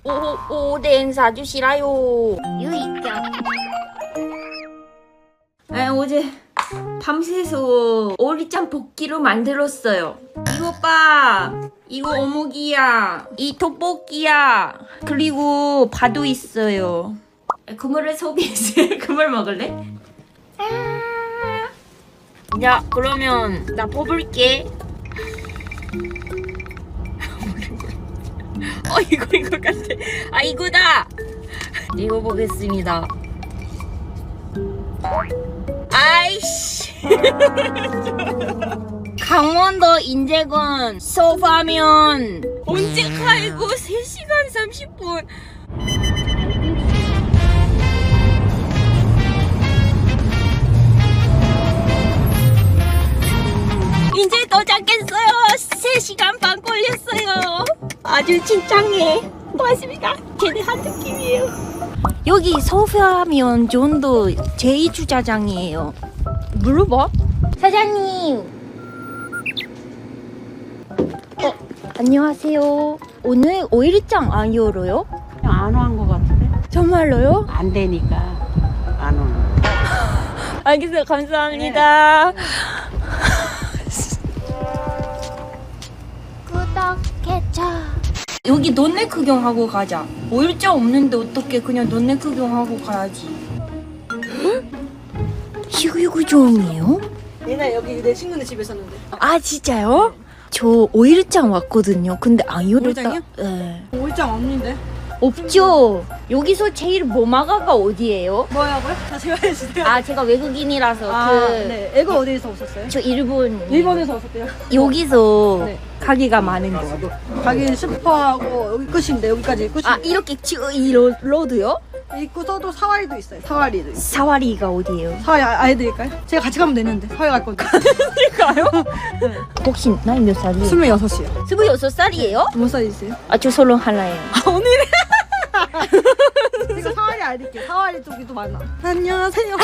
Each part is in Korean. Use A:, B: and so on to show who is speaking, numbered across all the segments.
A: 오뎅 사주시라요. 유이짱. 어제 밤새서 오리짱 볶기로 만들었어요. 이거 봐. 이거 어묵이야. 이 떡볶이야. 그리고 파도 있어요. 그물을 소비했어요. 그물 먹을래? 야, 그러면 나 뽑을게. 이거 같아. 아, 이거다. 이거 보겠습니다. 아이씨. 강원도 인제군 소파면 언제 가이고 3시간 30분. 이제 도착했어요. 3시간 반 걸렸어요. 아주 진창해. 고맙습니다. 제대한 느낌이에요. 여기 소파면 존도 제2주차장이에요. 물어봐. 사장님. 안녕하세요. 오늘 오일장 안 열어요?
B: 안 한 것 같은데?
A: 정말로요?
B: 안 되니까 안 오는.
A: 알겠어요. 감사합니다. 구독해줘. 여기 논내 구경하고 가자. 오일장 없는데 어떻게 그냥 논내 구경하고 가야지. 희귀구종이에요?
C: 옛날 여기 내 친구네 집에 있었는데.
A: 아 진짜요? 저 오일장 왔거든요. 근데 안 열었다.
C: 오일장이요?
A: 네.
C: 올장 없는데.
A: 없죠. 여기서 제일 모마가가 어디예요?
C: 뭐라고요? 다시 말해주세요.
A: 아 제가 외국인이라서
C: 네. 애가 어디에서 오셨어요?
A: 저 일본.
C: 일본에서 오셨대요.
A: 여기서
C: 네.
A: 가게가 많은 거.
C: 가긴 슈퍼하고 여기 끝인데 여기까지 끝인데.
A: 아 이렇게 이 로드요?
C: 입구서도 사와리도 있어요. 사와리도 있어요.
A: 사와리가 어디예요?
C: 사와리 알려드릴까요? 제가 같이 가면 되는데 사와리 갈 건데.
A: 가요? 혹시 나이 몇 살이에요?
C: 26이요.
A: 26살이에요?
C: 몇 살이세요?
A: 아 저 서른 하나예요.
C: 오늘은 제가 사와리 알릴게요. 사와리 쪽이 또 많아. 안녕하세요.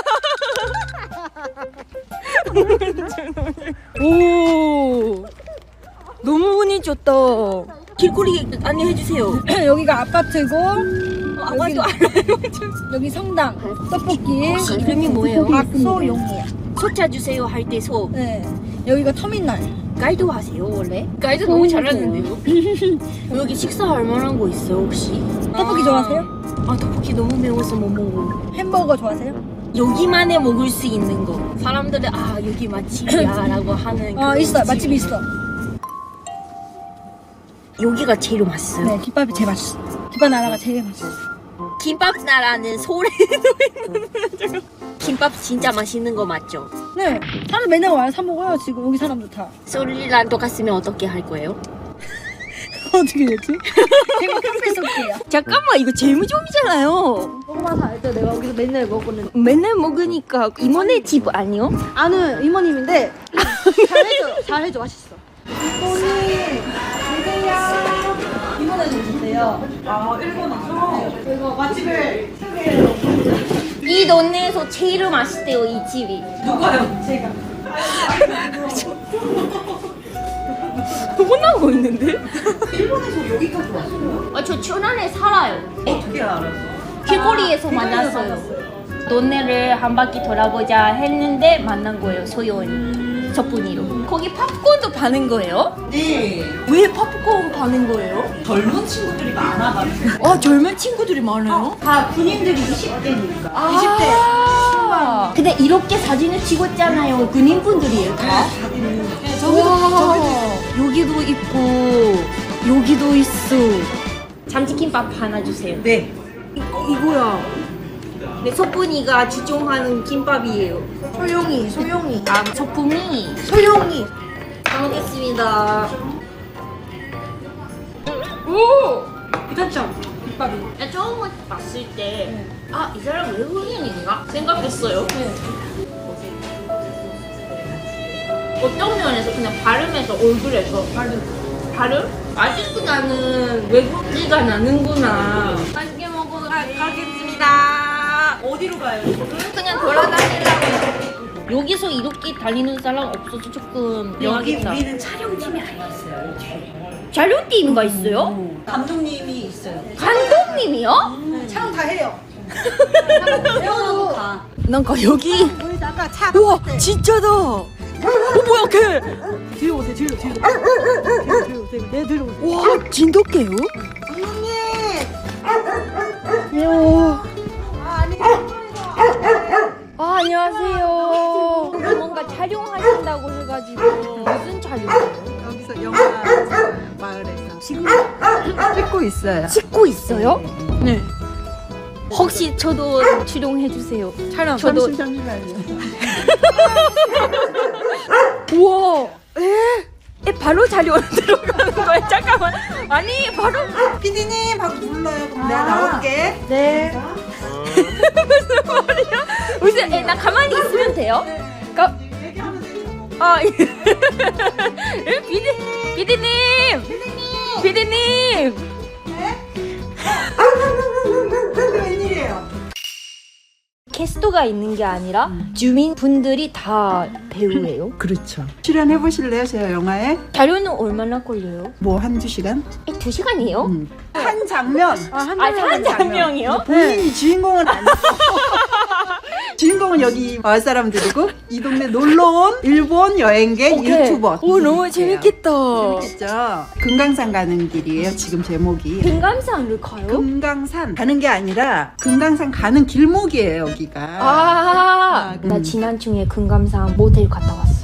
A: 오 너무 운이 좋다. 길거리 안내해주세요.
C: 여기가 아파트고
A: 아마도 알아요.
C: 여기 성당 떡볶이.
A: 혹시 이름이 뭐예요?
C: 박소용이에요.
A: 소 찾주세요 할 때 소.
C: 네. 여기가 터미널.
A: 가이드 하세요 원래? 가이드 너무 잘하는데요? 여기 식사할 만한 거 있어요 혹시?
C: 떡볶이 좋아하세요?
A: 아 떡볶이 너무 매워서 못 먹어.
C: 햄버거 좋아하세요?
A: 여기만에 먹을 수 있는 거. 사람들은 아 여기 맛집이야 라고 하는
C: 아
A: 그
C: 있어.
A: 집.
C: 맛집이 있어.
A: 여기가 제일 맛있어요.
C: 네, 김밥이 제일 맛있어. 김밥 나라가 제일 맛있어.
A: 김밥 나라는 소리도 있는데 김밥 진짜 맛있는 거 맞죠?
C: 네, 사람 맨날 와요. 사 먹어요. 지금 여기 사람들 다.
A: 소리랑 똑같으면 어떻게 할 거예요?
C: 어떻게 됐지? 제가 커피 쏠게요.
A: 잠깐만 이거 재무좀이잖아요.
C: 먹어봐서 알죠. 내가 여기서 맨날 먹고는.
A: 맨날 먹으니까 이모네 집 아니요?
C: 아는 이모님인데 잘해줘. 잘해줘. 맛있어. 이모님, 주세요. 이모네 좀 주세요. 아, 일본에서? 이거 맛집을 소개해요.
A: 이 동네에서 제일 맛있대요 이 집이.
C: 누가요? 제가.
A: 혼나고 있는데?
C: 일본에서 여기까지 왔어요?
A: 저 천안에 살아요.
C: 어떻게 알았어?
A: 길거리에서 만났어요. 동네를 한 바퀴 돌아보자 했는데 만난 거예요 소연. 저뿐이로. 거기 팝콘도 파는 거예요?
B: 네.
A: 왜 팝콘 파는 거예요?
B: 젊은 친구들이 많아가지고.
A: 아 젊은 친구들이 많아요?
B: 다 군인들이 20대니까.
A: 20대. 근데 이렇게 사진을 찍었잖아요. 군인분들이에요 다?
B: 네,
A: 저기도 여기도 있고 여기도 있어. 참치김밥 하나 주세요.
B: 네.
A: 이거야. 네, 소pun이가 주종하는 김밥이에요.
C: 소용이.
A: 아, 소품이.
C: 소용이.
A: 잘 먹겠습니다. 오!
C: 괜찮죠? 김밥이.
A: 나 처음 봤을 때, 아, 이 사람 외국인인가? 생각했어요. 어떤 면에서 그냥 발음에서 얼굴에서 발음? 아직도 나는 외국지가 나는구나. 맛있게 먹고 가겠습니다.
C: 어디로 가요?
A: 그냥 돌아다니려고. 여기서 이렇게 달리는 사람 없어서 조금
B: 여기
A: 이상하겠다.
B: 우리는 촬영팀이 아예 있어요. 뒤에.
A: 촬영팀인가 있어요?
B: 감독님이 있어요.
A: 감독님이요?
C: 촬영 다 해요.
B: 배워도 가.
A: 뭔가 여기
C: 우리 아까 차.
A: 우와 진짜다. 뭐야 걔?
C: 뒤로 오세요. 뒤로. 뒤로 오세요. 네, 뒤로 오세요.
A: 와 진돗개요?
C: 감독님.
A: 요.
C: 아니.
A: 아 안녕하세요. 뭔가 촬영하신다고 해가지고 무슨 촬영이에요?
C: 여기서 영화 마을에서 지금 찍고 있어요.
A: 찍고 있어요? 네. 혹시 저도 출연해 주세요.
C: 촬영.
A: 저도-
C: 잠시만요.
A: 우와. 에 바로 촬영 들어가는 거예요? 잠깐만. 아니 바로.
C: 피디님 하고 불러요. 그럼 내가 나올게.
A: 네. 무슨 말이야? 무슨? 나 가만히 있으면 돼요?
C: 얘기하면 되죠.
A: 아, 피디님! 피디님!
C: 웬일이에요?
A: 캐스터가 있는 게 아니라 주민분들이 다 배우예요?
C: 그렇죠. 출연해 보실래요, 제 영화에?
A: 자료는 얼마나 걸려요?
C: 뭐 한두 시간?
A: 2시간이에요?
C: 한 장면.
A: 한 장면이요?
C: 본인이 주인공은 아니고 주인공은 여기 마을 사람들이고 이 동네 놀러온 일본 여행객 유튜버.
A: 오 너무 재밌겠다.
C: 재밌겠죠? 금강산 가는 길이에요. 지금 제목이.
A: 금강산을 가요?
C: 금강산 가는 게 아니라 금강산 가는 길목이에요, 여기가.
A: 나 지난주에 금강산 모텔 갔다 왔어요.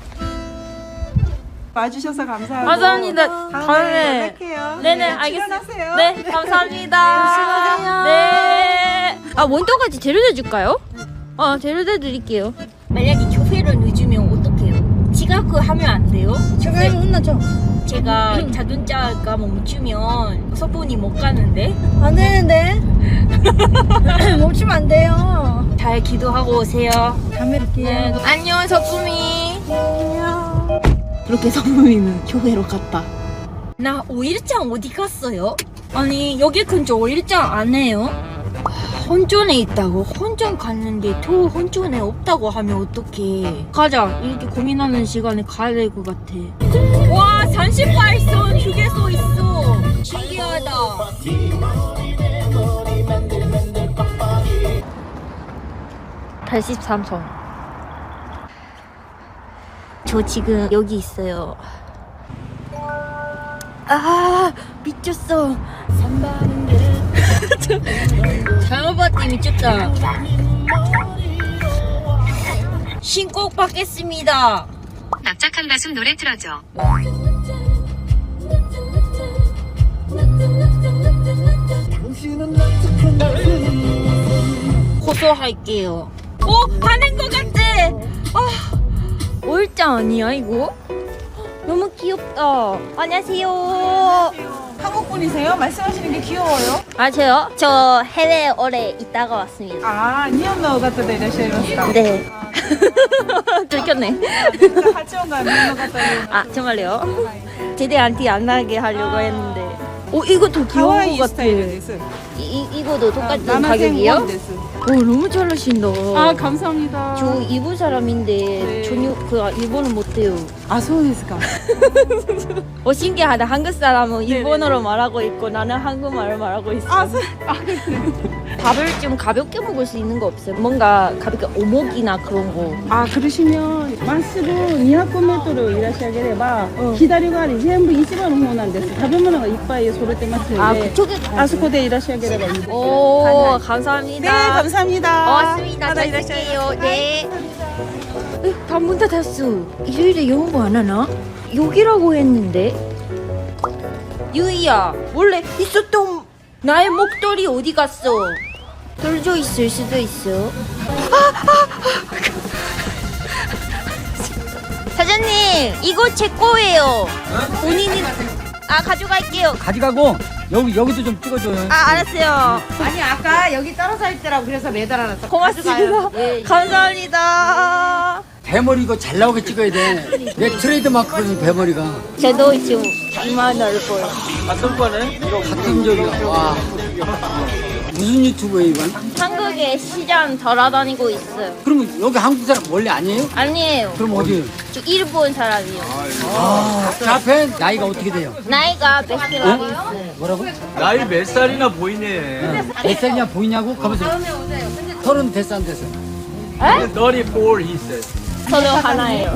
C: 와주셔서 감사하고.
A: 감사합니다.
C: 다음에 연락해요.
A: 네네,
C: 네,
A: 알겠습니다.
C: 출연하세요.
A: 네, 감사합니다. 네. 아, 원도까지 데려다 줄까요? 데려다 드릴게요. 만약에 교회를 늦으면 어떡해요? 지각하면 안 돼요?
C: 교회는 혼나죠?
A: 제가 자동차가 멈추면 서본이 못 가는데
C: 안 되는데. 멈추면 안 돼요.
A: 잘 기도하고 오세요.
C: 다음에 뵐게요.
A: 네. 안녕 서품이. 그렇게 서품이는 교회로 갔다. 나 5일장 어디 갔어요? 아니 여기 근처 5일장 안 해요? 혼전에 있다고? 혼전 갔는데 또 혼전에 없다고 하면 어떡해. 가자. 이렇게 고민하는 시간에 가야 될 것 같아. 와 38선 휴게소 있어. 신기하다. 83선. 저 지금 여기 있어요. 아 미쳤어. 잘못 봤더니 미쳤다. 신곡 받겠습니다.
D: 납작한 가슴 노래 틀어줘.
A: 고소할게요. 가는 것 같아. 올장 아니야 이거? 너무 귀엽다. 안녕하세요.
C: 한국 분이세요? 말씀하시는 게 귀여워요.
A: 아 저요? 저 해외 오래 있다가 왔습니다.
C: 아, 니혼노 같은 데 이러시면서.
A: 네. 들켰네.
C: 하치원가 니혼노 같은
A: 아 정말요? 제대한테 안 나게 하려고 했는데. 이거 더 귀여운
C: 하와이
A: 것 같아.
C: 스타일 데스.
A: 이거도 똑같은
C: 남아생
A: 가격이요?
C: 원 데스.
A: 너무 잘하신다.
C: 아, 감사합니다.
A: 저 일본 사람인데
C: 네.
A: 전혀 일본어 못해요.
C: 아, 소우데스까?
A: 신기하다. 한국 사람은 일본어로 말하고 있고 나는 한국말을 말하고 있어. 밥을 좀 가볍게 먹을 수 있는 거 없어요? 뭔가 가볍게 오목이나 그런 거.
E: あ、苦しみをまっすぐ200メートルいらっしゃげれば、左側に全部市場の方なんです。食べ物がいっぱい揃ってますので、
A: 그쪽에 가요?
E: あそこでいらっしゃげればいいですよ。
A: 오, 감사합니다.
C: 네, 감사합니다.
A: 고맙습니다. 잘 쓸게요. 네. 다 문 닫았어. 일요일에 영어 안 하나? 여기라고 했는데. 유이야, 원래 있었던 나의 목도리 어디 갔어? 떨어져 있을 수도 있어. 사장님, 이거 제 거예요. 본인이 가져갈게요.
F: 가져가고 여기도 좀 찍어줘요.
A: 알았어요.
B: 아니 아까 여기 떨어져 있더라고 그래서 매달아놨어.
A: 고맙습니다. 감사합니다.
F: 대머리 이거 잘 나오게 찍어야 돼. 내 트레이드 마크거든 대머리가.
A: 저도 지금 이만 넓어요.
F: 같은 저기가. 와. 무슨 유튜브에 이건?
A: 한국에 시장 돌아다니고 있어요.
F: 그러면 여기 한국 사람 원래 아니에요?
A: 아니에요.
F: 그럼 어디?
A: 저 일본 사람이요.
F: 그 앞에 나이가 어떻게 돼요?
A: 나이가 몇 살이라고 있어요?
F: 뭐라고?
G: 나이 몇 살이나 보이네.
F: 몇 살이냐 보이냐고? 가면서 30 됐어 안 됐어?
G: 34 he said.
A: 저도 하나예요.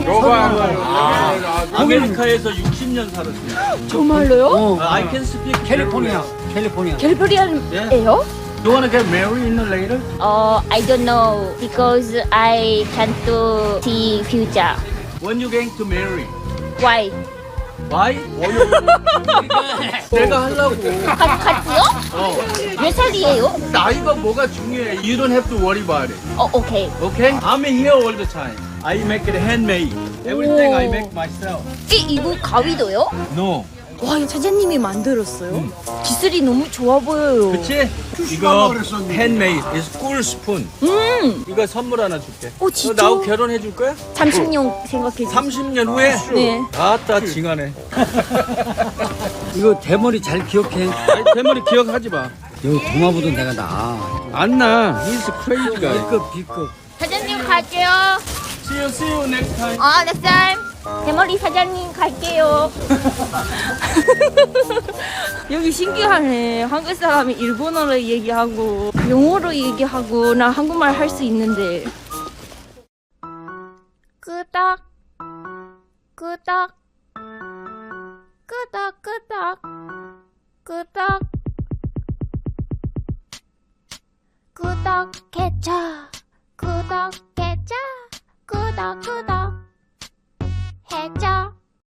G: 아메리카에서 60년 살았어요.
A: 정말로요?
G: I can speak
F: 캘리포니아 캘리포니아
A: 캘리포니아예요?
G: You wanna get married in the later?
A: I don't know because I can't see future.
G: When you going to marry?
A: Why?
G: Why? 내가 하려고.
A: 같이요? 몇 살이에요?
G: 나이가 뭐가 중요해? You don't have to worry about it.
A: 오케이.
G: Okay? I'm here all the time. I make it handmade. Everything I make myself.
A: 이거 가위도요?
G: No.
A: 와, 이거 사장님이 만들었어요? 기술이 너무 좋아 보여요.
G: 그치? 이거 handmade. It's cool spoon. 이거 선물 하나 줄게.
A: 진짜?
G: 너 나하고 결혼해 줄 거야?
A: 30년 생각해
G: 30년 후에?
A: 네.
G: 아따 징하네.
F: 이거 대머리 잘 기억해.
G: 아니, 대머리 기억하지 마.
F: 여기 동화보다 내가 나아.
G: 안 나. He's crazy guy.
F: B급 B급.
A: 사장님 갈게요.
G: See you next time.
A: next time. 대머리 사장님 갈게요. 여기 신기하네. 한국 사람이 일본어로 얘기하고 영어로 얘기하고 나 한국말 할 수 있는데. 끄덕 끄덕 끄덕 끄덕 끄덕 구독해줘 구독해줘 구독